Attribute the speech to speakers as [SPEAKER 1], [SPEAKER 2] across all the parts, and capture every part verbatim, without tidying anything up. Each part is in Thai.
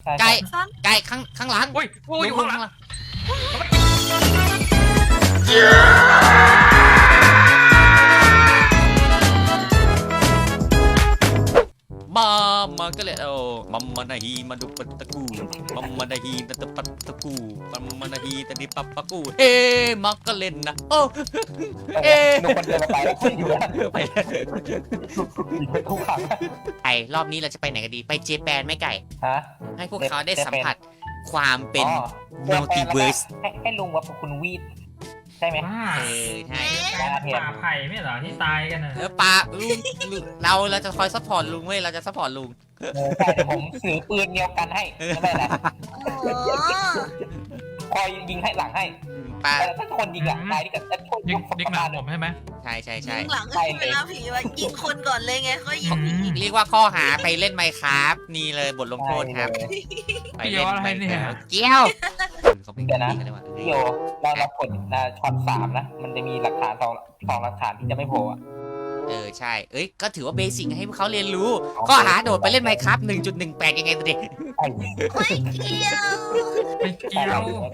[SPEAKER 1] ไก่ไก่ข้างข้างหลัง
[SPEAKER 2] อุ้ยโอ้ยอยู่ข้างหลัง
[SPEAKER 1] มามาก็เลยโอ้มัมมานาฮีมาดูปัตตะกูมัมมานาฮีตะตะปัตตะกูมัมมานาฮีตะดิปัปปะกูเอ๊มาก็เล่นนะโอ้เอ๊
[SPEAKER 3] หนุ่มคนเดินมาไปแล้วคุยอยู่แล้ว
[SPEAKER 1] ไป
[SPEAKER 3] ไปคู่ขัง
[SPEAKER 1] ไอรอบนี้เราจะไปไหนกันดีไปเจแปนไหมไก่
[SPEAKER 3] ฮะ
[SPEAKER 1] ให้พวกเขาได้สัมผัสความเป็น
[SPEAKER 3] อ๋อ
[SPEAKER 1] Multiverse
[SPEAKER 3] ให้ให้ลุงว่าคุณวีดใช่ไหม
[SPEAKER 2] ว้า
[SPEAKER 1] เออใช่
[SPEAKER 2] ป่าไผ่ไม่เหรอที่ตายกันน่ะ
[SPEAKER 1] เออปาลุงลุงเราเราจะคอยซัพพอร์ตลุงเว้ยเราจะซัพพอร์ตลุง
[SPEAKER 3] เออใช่เดี๋ยวผมถือปืนเดียวกันให้ไม่เป็นไร
[SPEAKER 4] โอ้
[SPEAKER 3] คอยยิงให้หลังให้
[SPEAKER 1] ปา
[SPEAKER 3] แต่ถ้าคนยิงหลังตายที่กับแต่คน
[SPEAKER 2] ยิ
[SPEAKER 3] ยิ
[SPEAKER 2] ง
[SPEAKER 3] ง
[SPEAKER 2] ยิงหลังผมใช่ไหม
[SPEAKER 1] ใช่ใช่
[SPEAKER 4] ยิ
[SPEAKER 1] ใช่
[SPEAKER 4] งหลังก็ใช่เวลาผีว่ายิงคนก่อนเลยไงเขายิงผี
[SPEAKER 1] เรียกว่าข้อหาไปเล่นไมค์ครับนี่เลยบทลงโทษครับไปเล่นไมค์ครับเกี้ยวเขาเป็นกันเลยว่า
[SPEAKER 3] พี่โยเราเรากดนะช็อตสามนะมันจะมีหลักฐานสองสองหลักฐานที่จะไม่โผล่อะ
[SPEAKER 1] เออใช่เอ้ยก็ถือว่าเบสิกให้พวกเขาเรียนรู้ข้อหาโดดไปเล่นไมค์ครับ หนึ่งจุดหนึ่งแปด ยังไงตัวเด็ก
[SPEAKER 3] ไอ้
[SPEAKER 4] ไม่เกี่ยว
[SPEAKER 2] ไม่เกี่ยว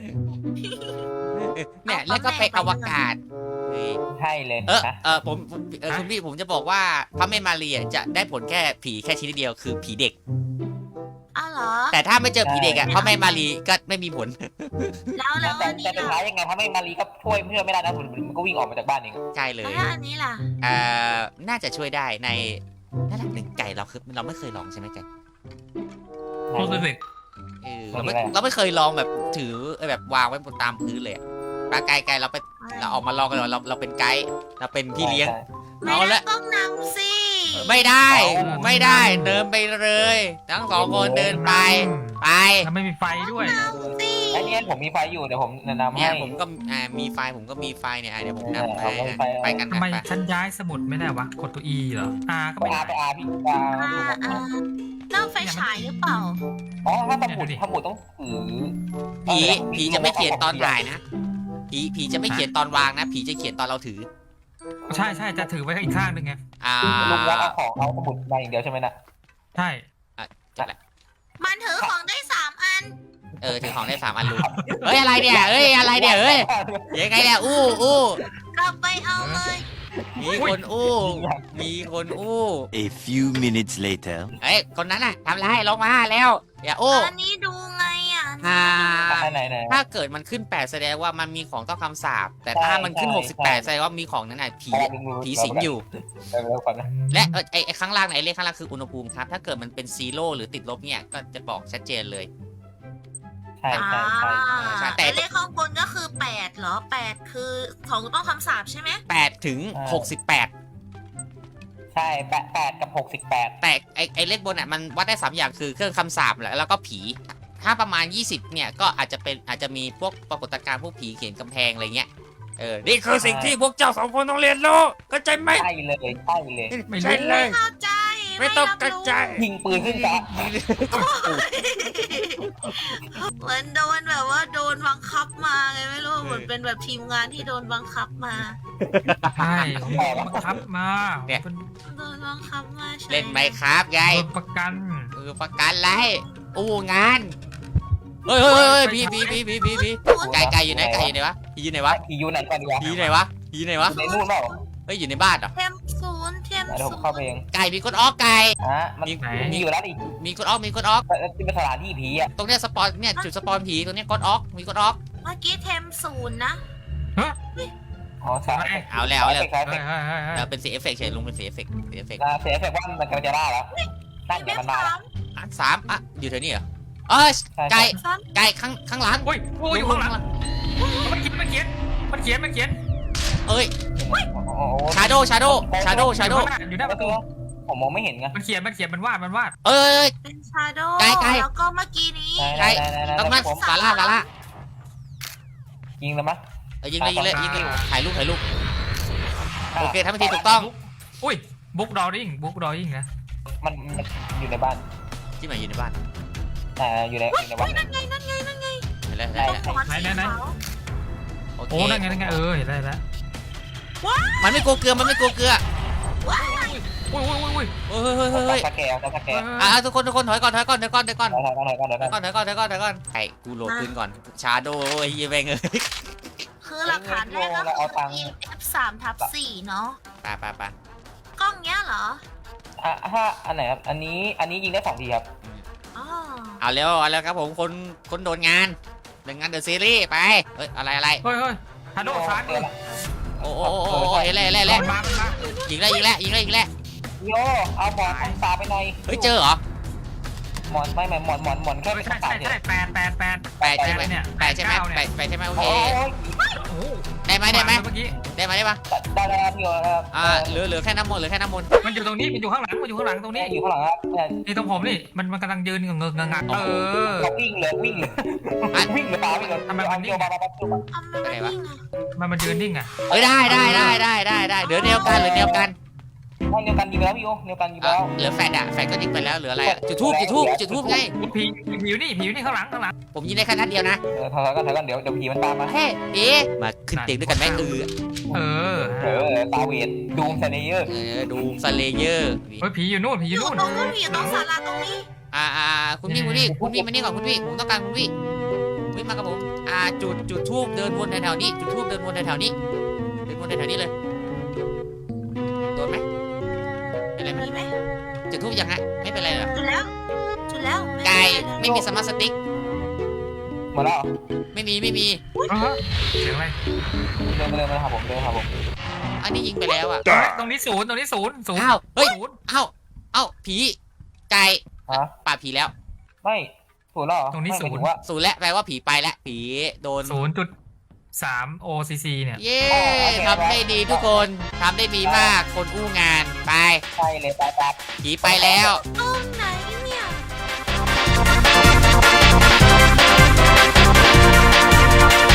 [SPEAKER 1] เนี่ยแล้วก็ไปอวกาศ
[SPEAKER 3] ใช่เลย
[SPEAKER 1] เออ
[SPEAKER 3] นะ
[SPEAKER 1] เออผมเออคุณพี่ผมจะบอกว่าพระแม่มารีจะได้ผลแค่ผีแค่ชนิดเดียวคือผีเด็ก
[SPEAKER 4] อ้าวเหรอ
[SPEAKER 1] แต่ถ้าไม่เจอผีเด็กอ่ะพระแม่มารีก็ไม่มีผล
[SPEAKER 4] แล้วแล้ว
[SPEAKER 3] แต่
[SPEAKER 4] อันนี้
[SPEAKER 3] แต่สุดท้า
[SPEAKER 4] ล่ะ
[SPEAKER 3] ยยังไงถ้าไม่มารีก็ช่วยเพื่อนไม่ได้นะมันมันก็วิ่งออกมาจากบ้านเอง
[SPEAKER 1] ใช่เลย
[SPEAKER 4] แล้วอันนี้ล่ะ
[SPEAKER 1] เอ่อน่าจะช่วยได้ในระดับหนึ่งไก่เราคือเราไม่เคยลองใช่ไหมไก่
[SPEAKER 2] รู้สึก
[SPEAKER 1] เออเราไม่เราไม่เคยลองแบบถือแบบวางไว้บนตามพื้นเลยปลาไก่ไก่เราไปเราออกมาลองกันเราเราเป็นไกด์เราเป็นพี่เลี้ยง
[SPEAKER 4] ไม่
[SPEAKER 1] เอา
[SPEAKER 4] ได้
[SPEAKER 1] ละ
[SPEAKER 4] ต้องนำสิ
[SPEAKER 1] ไม่ได้ไม่ได้เดินไปเลยทั้งสองคนเดินไปไป
[SPEAKER 2] แล้วไม่มีไฟด้วย
[SPEAKER 4] นำสิ
[SPEAKER 3] ไอ้นี่ผมมีไฟอยู่เดี๋ยวผมแนะนำ
[SPEAKER 1] เนี่
[SPEAKER 3] ให้
[SPEAKER 1] ยผมก็อ่ามีไฟผมก็มีไฟเนี่ยอ่ะเดี๋ยวผมนำไป
[SPEAKER 3] เออเอาไป
[SPEAKER 1] ไปกัน
[SPEAKER 2] ทำไม
[SPEAKER 1] ไป
[SPEAKER 2] ฉันย้ายสมุดไม่ได้วะกดตัว E เหรอ R ก็
[SPEAKER 3] ไป
[SPEAKER 2] ไม่
[SPEAKER 3] อา
[SPEAKER 2] ได้
[SPEAKER 3] ไปอาพี่อา
[SPEAKER 4] อ่าอ่าเล่าไฟฉายหรือเปล่า
[SPEAKER 3] อ๋อถ้าสมุดสมุดต้องถือ
[SPEAKER 1] ผีผีจะไม่เขียนตอนถ่ายนะผีผีจะไม่เขียนตอนวางนะผีจะเขียนตอนเราถือ
[SPEAKER 2] ใช่ใช่จะถือไว้อีกข้างหนึ่งไง
[SPEAKER 1] อ่า
[SPEAKER 3] ลุงวัดเอาของเอาสมุดมาอย่างเดียวใช่ไหมนะ
[SPEAKER 2] ใช่
[SPEAKER 4] มันถือของได้สามอัน
[SPEAKER 1] เออถือของได้สามอันลุงเฮ้ยอะไรเนี่ยเฮ้ยอะไรเนี่ยเฮ้ยยังไงเนี่ยอู้อู้
[SPEAKER 4] กลับไปเอาเลย
[SPEAKER 1] มีคนอู้มีคนอู้
[SPEAKER 5] A few minutes later.
[SPEAKER 1] เฮ้ยคนนั้นน่ะทำไรลงมาแล้วอย่าอู้
[SPEAKER 4] อันนี้ดูไงอ่ะ
[SPEAKER 1] อ่า
[SPEAKER 3] ไหนไหน
[SPEAKER 1] ถ้าเกิดมันขึ้นแปดแสดงว่ามันมีของต้องคำสาปแต่ถ้ามันขึ้นหกสิบแปดแสดงว่ามีของนั้นน่ะผีผีสิงอยู่
[SPEAKER 3] เร็วก่อนนะ
[SPEAKER 1] และเออไอไอข้างล่างไหนเลขข้างล่างคืออุณหภูมิครับถ้าเกิดมันเป็นซีโร่หรือติดลบเนี่ยก็จะบอกชัดเจนเลย
[SPEAKER 3] ใช่ใช่ใช่
[SPEAKER 1] ใช่แต่
[SPEAKER 4] แต่เลขข้างบนก็คือแปดเหรอแปดคือของต้องคำสาปใช่ไหม
[SPEAKER 1] แปดถึงหกสิบแปด
[SPEAKER 3] ใช่แปดแปดกับหกสิบแปด
[SPEAKER 1] แต่ไอไอเลขบนอ่ะมันวัดได้สามอย่างคือเครื่องคำสาปแหละแล้วก็ผี ถ้าประมาณยี่สิบเนี่ยก็อาจจะเป็นอาจจะมีพวกปรากฏการณ์พวกผีเขียนกำแพงอะไรเงี้ยเออนี่คือสิ่งที่พวกเจ้าสองคนต้องเรียนรู้เข้าใจไหม
[SPEAKER 3] ใช่เลยใช่เลย
[SPEAKER 2] ไม่
[SPEAKER 1] ใช่
[SPEAKER 2] รู้
[SPEAKER 1] เลย
[SPEAKER 4] เข้าใจ
[SPEAKER 1] ไม่ต้องกระจาย
[SPEAKER 3] ยิงปืนขึ้นฟ้า
[SPEAKER 4] เหมือนโดนแบบว่าโดนบังคับมาไงไม่รู้เหมือนเป็นแบบทีมงานที่โดนบังคับมา
[SPEAKER 2] ใช่ผมโดนบังคับมาเป็น
[SPEAKER 4] โดนบังคับมาใช่
[SPEAKER 1] เล่นไหมครับไง
[SPEAKER 2] โดนประกัน
[SPEAKER 1] เออประกันไรอู้งานเฮ้ยเฮ้ยเฮ้ยผีผีผีผีผีผีไก่ไก่อยู่ไหนไก่อยู่ไหนวะผีอยู่ไหนวะ
[SPEAKER 3] ผีอยู่ไหนก่อนดีวะ
[SPEAKER 1] ผีไหนวะผีไหนวะ
[SPEAKER 3] ในนู่นเปล่า
[SPEAKER 1] เฮ้ยอยู่ในบ้านเหรอ
[SPEAKER 4] เทมศูนย์เทม
[SPEAKER 3] เดี๋ยวผม
[SPEAKER 4] ศูน
[SPEAKER 3] เข้า
[SPEAKER 4] ย์
[SPEAKER 3] ไปเอง
[SPEAKER 1] ไก่มีกดออกไก่
[SPEAKER 3] ฮะมันมีอยู่แล้วดิ
[SPEAKER 1] มีกดออกมีกดออก
[SPEAKER 3] แต่ที่เป็นสถานที่ผีอ่ะ
[SPEAKER 1] ตรงเนี้ยสปอนเนี่ยจุดสปอนผีตรงเนี้ยกดออกมีกดออก
[SPEAKER 4] เมื่อกี้เทมศูนย์นะ
[SPEAKER 3] อ๋อใช่
[SPEAKER 1] เอาแล้วเอาแล้ว
[SPEAKER 3] ใช่
[SPEAKER 2] เฮ้ยเฮ้ยเฮ้ยเฮ้ย
[SPEAKER 1] แล้วเป็นสีเอฟเฟกต์เฉยลุงเป็นสีเอฟเฟกต์สีเอฟเฟกต์
[SPEAKER 3] เสียเสร็จว่ามันกำลังจะได้แล้วนั่น
[SPEAKER 4] เท
[SPEAKER 3] เดี๋ยว
[SPEAKER 4] ม
[SPEAKER 3] มันมา
[SPEAKER 4] สาม
[SPEAKER 1] อ่ะสามอ่ะอยู่แถวนี้เหรอเออไก่
[SPEAKER 4] สาม
[SPEAKER 1] ไก่ข้างข้างหลัง
[SPEAKER 2] โอ้ยโอ้ยอยู่ข้างหลังมันเขียนมันเขียนมันเขียนมันเขียน
[SPEAKER 1] เอ้ย
[SPEAKER 3] โอ้โห
[SPEAKER 1] ชาโดชาโดชาโดชาโด
[SPEAKER 2] อยู่หน้าประตู
[SPEAKER 3] ผมมองไม่เห็นไง
[SPEAKER 2] มันเขียนมันเขียนมันวาดมันวาด
[SPEAKER 1] เอ้ย
[SPEAKER 4] เป็นชาโด
[SPEAKER 1] ไกลไกล
[SPEAKER 4] แล้วก็เมื่อกี้นี้
[SPEAKER 1] ตรงนั้นสาระสาระ
[SPEAKER 3] ยิงแล้วมั้ย
[SPEAKER 1] เออยิงเลยยิงเลยยิงเลยถ่ายรูปถ่ายรูปโอเคทำพิธีถูกต้อง
[SPEAKER 2] อุ้ยบุ๊กดอริ่งบุ๊กดอริ่งนะ
[SPEAKER 3] มันอยู่ในบ้าน
[SPEAKER 1] ที่ไหนอยู่ในบ้าน
[SPEAKER 3] อ่าอยู่ในอยู่ในบ้าน
[SPEAKER 4] นั่นไงนั่นไงนั่นไง
[SPEAKER 1] เห็นแล้วเห็นแล้วเห็นแล้ว
[SPEAKER 4] หัวสีขาว
[SPEAKER 1] โอเค
[SPEAKER 2] โอ้นั่นไงนั่นไงเออเห็นได้แล้ว
[SPEAKER 1] มันไม่กลัวเกลือมันไม่กลัวเกลือ
[SPEAKER 4] ว้าย
[SPEAKER 2] โอุ้ยอุ้ยอุ้ยอุ้ย
[SPEAKER 1] เฮ้ยเฮ้ยเฮ้ยเฮ้ย
[SPEAKER 3] สแกนสแกน
[SPEAKER 1] อ่ะทุกคนทุกคนถอยก่อนถอยก่อนถอยก่อนถอยก่อน
[SPEAKER 3] ถอยก่อนถอยก่อนถอย
[SPEAKER 1] ถ
[SPEAKER 3] ก่
[SPEAKER 1] อ
[SPEAKER 3] อย น
[SPEAKER 1] ก่อนถอยก่อนถอยก่อนถอยก่อนไอ้กูโหลดขึ้นก่อนชาโดว์ไอ้เหี้ยแม่งเอ้ย
[SPEAKER 4] คือหลักฐานแรกก็คือ อี เอฟ สามทับสี่เนาะ
[SPEAKER 1] ไปไปไป
[SPEAKER 4] กล้องเนี้ยเหรอ
[SPEAKER 3] อ่ะถ้าอันไหนครับอันนี้อันนี้ยิงได้สองทีครับ
[SPEAKER 4] อ๋อ
[SPEAKER 1] เอาเร็วเอาแล้วครับผมคนคนโดนงานโดนงานเดอะซีรีส์ไปเฮ้ยอะไรอะไร
[SPEAKER 2] เฮ้ยเฮ้ยฮัลโหลซ้ายมือ
[SPEAKER 1] โอ้โอ้โอ้โอ้โอ้เห็นแล้วเห็นแล้วเห็น
[SPEAKER 2] มัน
[SPEAKER 1] แล้ว
[SPEAKER 2] มามันมา
[SPEAKER 1] ยิงแล้วยิงแล้วยิงแล้วยิงแล้ว
[SPEAKER 3] โยเอาหมอนทางตาไปหน่อย
[SPEAKER 1] เฮ้ยเจอเหรอ
[SPEAKER 3] หมอนไม่ไม่หมอนหมอนหมอนแค่
[SPEAKER 2] เฮ้
[SPEAKER 3] ไป
[SPEAKER 2] ย
[SPEAKER 3] ข้า
[SPEAKER 2] ใช่
[SPEAKER 3] งตา
[SPEAKER 2] ใช่
[SPEAKER 3] เนี่ย
[SPEAKER 2] ใช่แปดแปดแปด
[SPEAKER 1] แปดใช่ไหม
[SPEAKER 2] เนี่ย
[SPEAKER 1] แปดใช่ไหม
[SPEAKER 2] เก้าเนี่ย
[SPEAKER 1] แปดแปดใช่ไหมโอเค
[SPEAKER 3] โอ้ย
[SPEAKER 2] โอ้โห
[SPEAKER 1] ได้ไหมได้ไหม
[SPEAKER 2] เมื่อกี้
[SPEAKER 1] ได้ไหมได้ปะ
[SPEAKER 3] ได้แล้วครับพี่โยครับ
[SPEAKER 1] อ่าเหลือเหลือแค่น้ำมนต์เหลือแค่น้ำมนต์
[SPEAKER 2] มันอยู่ตรงนี้มันอยู่ข้างหลังมันอยู่ข้างหลังตรงนี้
[SPEAKER 3] อยู่ข้างหลังครับเนี่ย
[SPEAKER 2] นี่ตรงผมนี่มันมันกำลังยืนเงงเงงงักเออ
[SPEAKER 3] เราวิ่งเลยวิ่งเลยวิ่งเลยตาวิ่งเลย
[SPEAKER 2] ทำไมมันนิ่ง
[SPEAKER 3] เอามามามามา
[SPEAKER 4] ทำไมไม่นิ่งอะ
[SPEAKER 2] มันมันยืนนิ่งอ่ะ
[SPEAKER 1] เอ้ยได้ได้ได้ได้ได้ได้เหลือเดียวกันเหลือเดียวกัน
[SPEAKER 3] ให้เดียวกันยิงไปแล้วพี่โยเดียวกันยิงไป
[SPEAKER 1] เอ่อ
[SPEAKER 3] แล้ว
[SPEAKER 1] เหลือแฟดอะแฟดก็ยิงไปแล้วเหลืออะไรอะจุดทูบจุดทูบจุดทูบไง
[SPEAKER 2] ผีผีอยู่นี่ผีอยู่นี่ข้างหลังข้างหลัง
[SPEAKER 1] ผมยิงได้แค่นัดเดียวนะ
[SPEAKER 3] เออถอยกันถอยกันเดี๋ยวเดี๋ยวผีมันตามมา
[SPEAKER 1] เฮ้เอ๊ะมาขึ้นเตียงด้วยกันไหมเออ
[SPEAKER 2] เออ
[SPEAKER 3] เออตาเวนดูมเซเนเยอร์
[SPEAKER 1] เออดูสเลเยอร์
[SPEAKER 2] เฮ้ยผีอยู่นู่นผีอ
[SPEAKER 4] อยู่ ยู่
[SPEAKER 2] นู่น
[SPEAKER 4] ตรงนู้นอยู่ตรงศาลาตรงนี้
[SPEAKER 1] อ่าอ่าคุณพี่คุณพี่คุณพี่มานี่ก่อนคุณพี่ผมต้องการคุณพี่คุณพี่มากับผมอ่าจุดจุดทูบเดินวนแถวๆนี้จุดทูบเดินวนแถวๆนี้เดินวนแถวๆนี้เลยโดนไหมเป็นไรไหม
[SPEAKER 4] มีไหม
[SPEAKER 1] จุดทูบยังฮะไม่เป็นไรเหรอ
[SPEAKER 4] จุดแล้ว จุดแล้ว
[SPEAKER 1] ไก่
[SPEAKER 4] ไม่
[SPEAKER 1] ไม่มีสมาร์ทสติ๊ก
[SPEAKER 3] หมดแล้ว
[SPEAKER 1] ไม่มีไม่มี
[SPEAKER 2] เออเสียงอะไร
[SPEAKER 3] เดินมาเดินมาหาผมเดินมาหาผม
[SPEAKER 1] อันนี้ยิงไปแล้วอ่ะ
[SPEAKER 2] เฮ้ยตรงนี้ศูนย์ตรงนี้ศูนย์ศูนย์
[SPEAKER 1] อ้าวเฮ้ย
[SPEAKER 2] ศูนย์
[SPEAKER 1] อ้าวอ้าวผีไก่
[SPEAKER 3] ฮะ
[SPEAKER 1] ป่าบผีแล้ว
[SPEAKER 3] ไม่ถูกแล้วเหรอไม่หมายถึงว่า
[SPEAKER 1] ศูนย์แล้วแปลว่าผีไปแล้วผีโดน
[SPEAKER 2] ศูนย์จุดสามโอซีซีเนี่ย
[SPEAKER 1] เย้ทำได้ดีทุกคนทำได้ดีมากคนอู้งานไป
[SPEAKER 3] ใช่เลยตาตา
[SPEAKER 1] ผีไปแล้ว
[SPEAKER 4] ตุ้ม